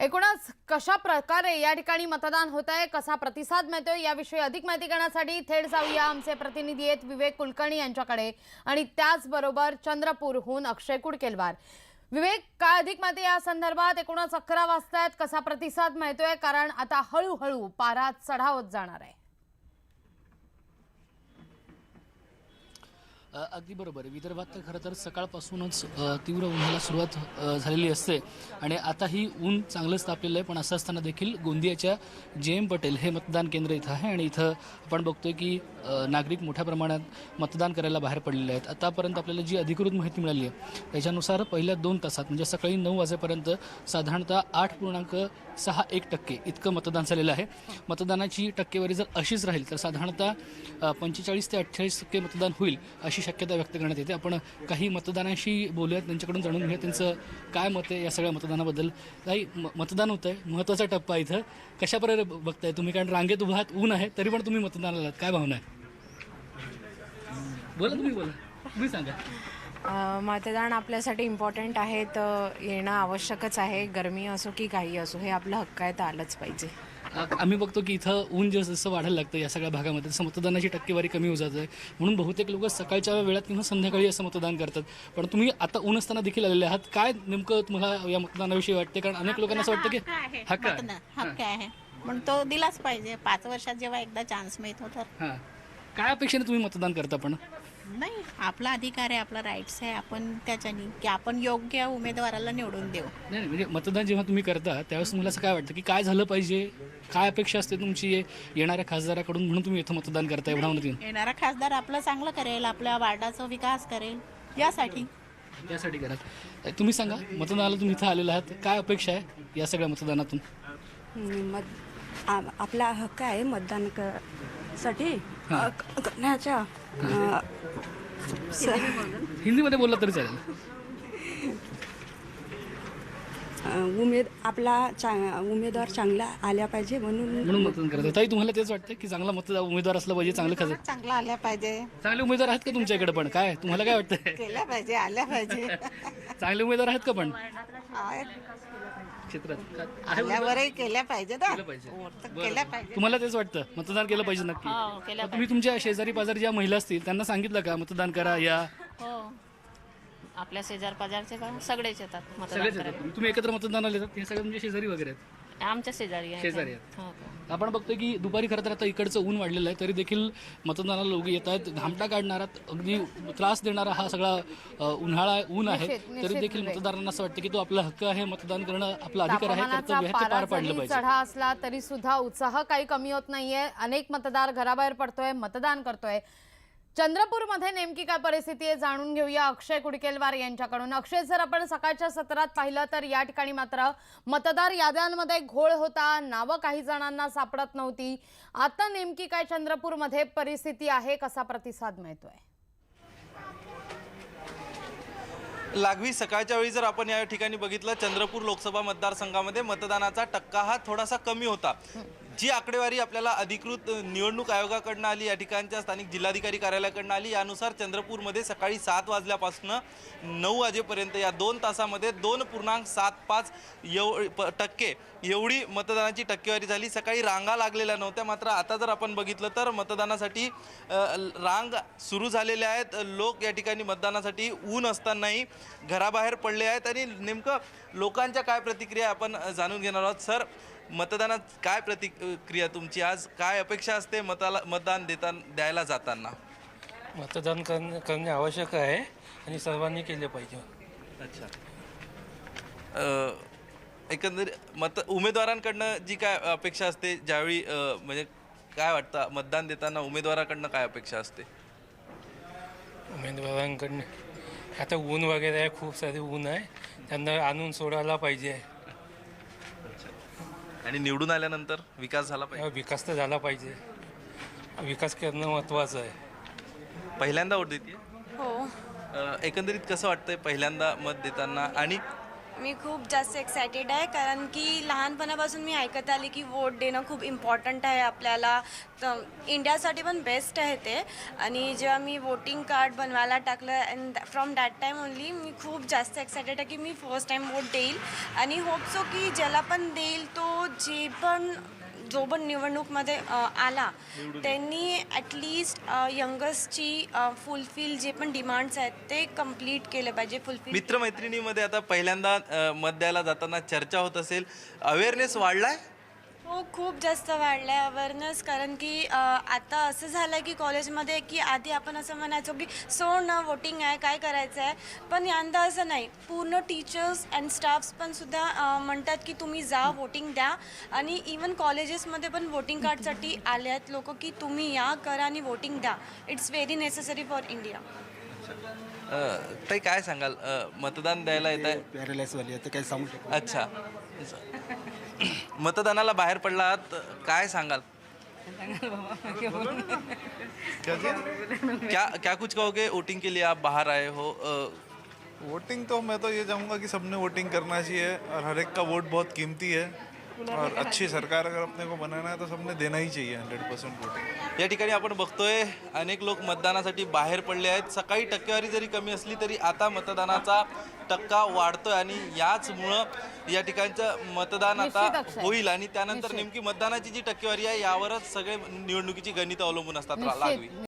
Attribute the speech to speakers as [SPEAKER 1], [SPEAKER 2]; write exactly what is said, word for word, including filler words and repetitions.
[SPEAKER 1] एकूणच कशा प्रकारे या ठिकाणी मतदान होत आहे, कसा प्रतिसाद मिळतोय याविषयी अधिक माहिती करण्यासाठी थेट जाऊया आमचे प्रतिनिधी आहेत विवेक कुलकर्णी यांच्याकडे आणि त्याचबरोबर चंद्रपूरहून अक्षय कुडकेलवार। विवेक, काय अधिक माहिती या संदर्भात? एकूणच अकरा वाजतायत, कसा प्रतिसाद मिळतोय? कारण आता हळूहळू पारा चढावत जाणार आहे।
[SPEAKER 2] अगदी बरोबर। विदर्भात तर खरं तर सकाळपासूनच तीव्र उन्हाला सुरुवात झालेली असते आणि आता ही ऊन चांगलंच तापलेलं आहे। पण असं असताना देखील गोंदियाच्या जे एम पटेल हे मतदान केंद्र इथं आहे आणि इथं आपण बघतोय की नागरिक मोठ्या प्रमाणात मतदान करायला बाहेर पडलेले आहेत। आतापर्यंत आपल्याला जी अधिकृत माहिती मिळाली आहे त्याच्यानुसार पहिल्या दोन तासात म्हणजे सकाळी नऊ वाजेपर्यंत साधारणतः आठ पूर्णांक सहा एक टक्के इतकं मतदान झालेलं आहे। मतदानाची टक्केवारी जर अशीच राहील तर साधारणतः पंचेचाळीस ते अठ्ठेचाळीस टक्के मतदान होईल अशी शक्यता व्यक्त करण्यात येते। आपण काही मतदानाशी बोलूयात, त्यांच्याकडून जाणून घेऊया त्यांचं काय मत आहे या सगळ्या मतदानाबद्दल। काही मतदान होतं आहे, महत्त्वाचा टप्पा इथं कशा प्रकारे बघताय तुम्ही? कारण रांगेत उभा आहात, ऊन आहे, तरी पण तुम्ही मतदानाला काय भावना आहे? बोला तुम्ही, बोला तुम्ही सांगा।
[SPEAKER 3] मतदान आपल्यासाठी इम्पॉर्टंट आहे, तर येणं आवश्यकच आहे। गरमी असो की काही असो, हे आपलं हक्क आहे, तर आलंच पाहिजे।
[SPEAKER 2] आम्ही बघतो की इथं ऊन जसं जसं वाढायला लागतं या सगळ्या भागामध्ये तसं मतदानाची टक्केवारी कमी होत जाते, म्हणून बहुतेक लोक सकाळच्या वेळात किंवा संध्याकाळी असं मतदान करतात। पण तुम्ही आता ऊन असताना देखील आलेले आहात, काय नेमकं तुम्हाला या मतदानाविषयी वाटते? कारण अनेक लोकांना असं वाटतं की
[SPEAKER 4] हक्क हक्क आहे म्हणून तो दिलाच पाहिजे। पाच वर्षात जेव्हा एकदा चान्स मिळतो तर
[SPEAKER 2] हां, काय अपेक्षेने तुम्ही मतदान करता? पण
[SPEAKER 4] नाही, आपला अधिकार आहे, आपला राईट्स आहे, आपण त्याच्यानी की आपण योग्य उमेदवाराला निवडून देऊ।
[SPEAKER 2] नाही, म्हणजे मतदान जेव्हा तुम्ही करता त्यावेळेस तुम्हाला असं काय वाटतं की काय झालं पाहिजे, काय अपेक्षा असते तुमची येणाऱ्या खासदाराकडून, म्हणून तुम्ही इथं मतदान करता एवढा म्हणून?
[SPEAKER 4] येणारा खासदार आपलं चांगलं करेल, आपल्या वार्डाचा विकास करेल, यासाठी
[SPEAKER 2] यासाठी करा। तुम्ही सांगा, मतदानाला तुम्ही इथं आलेला आहात, काय अपेक्षा आहे या सगळ्या मतदानातून?
[SPEAKER 5] मत आ- आपला हक्क आहे मतदान क साठी करण्याच्या।
[SPEAKER 2] हिंदीमध्ये बोलला तरी चालेल।
[SPEAKER 5] उमेद आपला चा उमेदवार चांगला आल्या पाहिजे म्हणून
[SPEAKER 2] म्हणून मतदान करतात। ताई, तुम्हाला तेच वाटतं की चांगला मतदार उमेदवार असला पाहिजे, चांगलं खासदार?
[SPEAKER 4] चांगला आल्या पाहिजे,
[SPEAKER 2] चांगले उमेदवार आहेत का तुमच्याकडे? पण काय तुम्हाला काय वाटतं?
[SPEAKER 4] केल्या पाहिजे, आल्या पाहिजे।
[SPEAKER 2] चांगले उमेदवार आहेत का पण क्षेत्रात?
[SPEAKER 4] आल्यावरही केल्या पाहिजे ना,
[SPEAKER 2] केलं पाहिजे।
[SPEAKER 4] केल्या पाहिजे।
[SPEAKER 2] तुम्हाला तेच वाटतं मतदान केलं पाहिजे? नक्की।
[SPEAKER 4] हो, केलं
[SPEAKER 2] मग तुम्ही तुमच्या शेजारी पाजारी ज्या महिला असतील त्यांना सांगितलं का मतदान करा या?
[SPEAKER 6] हो, आपल्या शेजार पाजारचे का सगळेच येतात मतदान
[SPEAKER 2] सगळेच
[SPEAKER 6] करायला।
[SPEAKER 2] येतात? तुम्ही एकत्र मतदानाला येतात? हे सगळे तुमचे शेजारी वगैरे आहेत?
[SPEAKER 6] आमच्या शेजारी आहे।
[SPEAKER 2] शेजारी आहेत।
[SPEAKER 6] हो का?
[SPEAKER 2] आपण बघतोय की दुपारी खरं तर आता इकडचं ऊन वाढलेलं आहे, तरी देखील मतदानाला लोक येत आहेत। घामटा काढणारा, अगदी त्रास देणारा हा सगळा अ, उन्हाळा ऊन आहे,
[SPEAKER 1] निश्चित-
[SPEAKER 2] तरी
[SPEAKER 1] निश्चित
[SPEAKER 2] देखील
[SPEAKER 1] विवेक।
[SPEAKER 2] मतदारांना असं वाटतं की तो आपला हक्क आहे, मतदान करणं आपला अधिकार आहे,
[SPEAKER 1] तापमानाचा
[SPEAKER 2] कर्तव्य आहे, ते
[SPEAKER 1] पारा
[SPEAKER 2] पार पाडलं
[SPEAKER 1] जरी
[SPEAKER 2] पाहिजे।
[SPEAKER 1] चढा असला तरी सुद्धा उत्साह काही कमी होत नाहीये। अनेक मतदार घराबाहेर पडतोय, मतदान करतोय। चंद्रपूरमध्ये नेमकी काय परिस्थिती आहे जाणून घेऊया अक्षय कुडकेलवार यांच्याकडून। अक्षय, जर आपण सकाळच्या सत्रात पाहिलं तर या ठिकाणी मात्र मतदार याद्यांमध्ये घोळ होता, नावं काही जणांना सापडत नव्हती। आता नेमकी काय चंद्रपूरमध्ये परिस्थिती आहे, कसा प्रतिसाद मिळतोय?
[SPEAKER 7] लागवी सकाळच्या वेळी जर आपण या ठिकाणी बघितलं, चंद्रपूर लोकसभा मतदारसंघामध्ये मतदानाचा टक्का हा थोडासा कमी होता। जी आकडेवारी आपल्याला अधिकृत निवडणूक आयोगाकडनं आली, या ठिकाणच्या स्थानिक जिल्हाधिकारी कार्यालयाकडनं आली, यानुसार चंद्रपूरमध्ये सकाळी सात वाजल्यापासून नऊ वाजेपर्यंत या दोन तासामध्ये दोन पूर्णांक सात पाच एव प टक्के एवढी मतदानाची टक्केवारी झाली। सकाळी रांगा लागलेल्या नव्हत्या, मात्र आता जर आपण बघितलं तर मतदानासाठी रांग सुरू झालेल्या आहेत। लोक या ठिकाणी मतदानासाठी ऊन असतानाही घराबाहेर पडले आहेत आणि नेमकं लोकांच्या काय प्रतिक्रिया आपण जाणून घेणार आहोत। सर, मतदानात काय प्रतिक्रिया तुमची? आज काय अपेक्षा असते मताला मतदान देता द्यायला जाताना?
[SPEAKER 8] मतदान करणे करणे आवश्यक आहे आणि सर्वांनी केले पाहिजे।
[SPEAKER 7] अच्छा, एकंदरीत मत उमेदवारांकडनं जी काय अपेक्षा असते ज्यावेळी म्हणजे काय वाटतं मतदान देताना उमेदवाराकडनं काय अपेक्षा असते?
[SPEAKER 8] उमेदवारांकडनं आता ऊन वगैरे आहे, खूप सारे ऊन आहे, त्यांना आणून सोडायला पाहिजे
[SPEAKER 7] आणि निवडून आल्यानंतर विकास झाला पाहिजे।
[SPEAKER 8] विकास तर झाला पाहिजे, विकास करणं महत्त्वाचं आहे।
[SPEAKER 7] पहिल्यांदा वोट देते?
[SPEAKER 4] हो,
[SPEAKER 7] एकंदरीत कसं वाटतंय पहिल्यांदा मत देताना? आणि
[SPEAKER 9] मी खूप जास्त एक्सायटेड आहे कारण की लहानपणापासून मी ऐकत आले की वोट देणं खूप इम्पॉर्टंट आहे आपल्याला. तर इंडियासाठी पण बेस्ट आहे ते. आणि जेव्हा मी वोटिंग कार्ड बनवायला टाकलं and from that time only मी खूप जास्त एक्सायटेड आहे की मी फर्स्ट टाईम वोट देईल. आणि होप सो की ज्याला पण देईल तो जे पण जो पण निवडणूकमध्ये अ, आला त्यांनी ॲटलिस्ट यंगस्टची फुलफिल जे पण डिमांड्स आहेत ते कम्प्लीट केले पाहिजे. फुलफिल
[SPEAKER 7] मित्रमैत्रिणीमध्ये आता पहिल्यांदा अ, मत द्यायला जाताना चर्चा होत असेल, अवेअरनेस वाढलाय?
[SPEAKER 9] हो, खूप जास्त वाढलं आहे अवेअरनेस. कारण की अ, आता असं झालं आहे की कॉलेजमध्ये की आधी आपण असं म्हणायचो की सोड ना वोटिंग आहे काय करायचं आहे, पण यंदा असं नाही. पूर्ण टीचर्स अँड स्टाफ्स पण सुद्धा अ, म्हणतात की तुम्ही जा वोटिंग द्या. आणि इवन कॉलेजेसमध्ये पण वोटिंग कार्डसाठी आले आहेत लोक की तुम्ही या करा आणि वोटिंग द्या. It's very necessary for India.
[SPEAKER 7] Uh, ताई काय सांगाल, अ, मतदान द्यायला येत आहे?
[SPEAKER 10] पॅरालाइजवाली आहे ते काही सांगू शकत
[SPEAKER 7] अच्छा, मतदानाला बाहेर पडलात, काय सांगाल? क्या क्या कुछ कहोगे? वोटिंग के लिए आप बाहर आए हो. अ,
[SPEAKER 11] वोटिंग तो मैं तो ये चाहूँगा कि सबने वोटिंग करना चाहिए और हर एक का वोट बहुत कीमती है और अच्छी सरकार अगर अपने को बनाना है तो सबने देना ही चाहिए हंड्रेड परसेंट वोटिंग.
[SPEAKER 7] या ठिकाणी आपण बघतोय अनेक लोक मतदानासाठी बाहेर पडले आहेत. सकाळी टक्केवारी जरी कमी असली तरी आता मतदानाचा टक्का वाढतोय आणि याचमुळं या ठिकाणचं मतदान आता
[SPEAKER 1] निश्चित अक्षय.
[SPEAKER 7] होईल आणि त्यानंतर नेमकी मतदानाची जी टक्केवारी आहे यावरच सगळे निवडणुकीची गणितं अवलंबून असतात.
[SPEAKER 1] निश्चित.
[SPEAKER 7] लागवी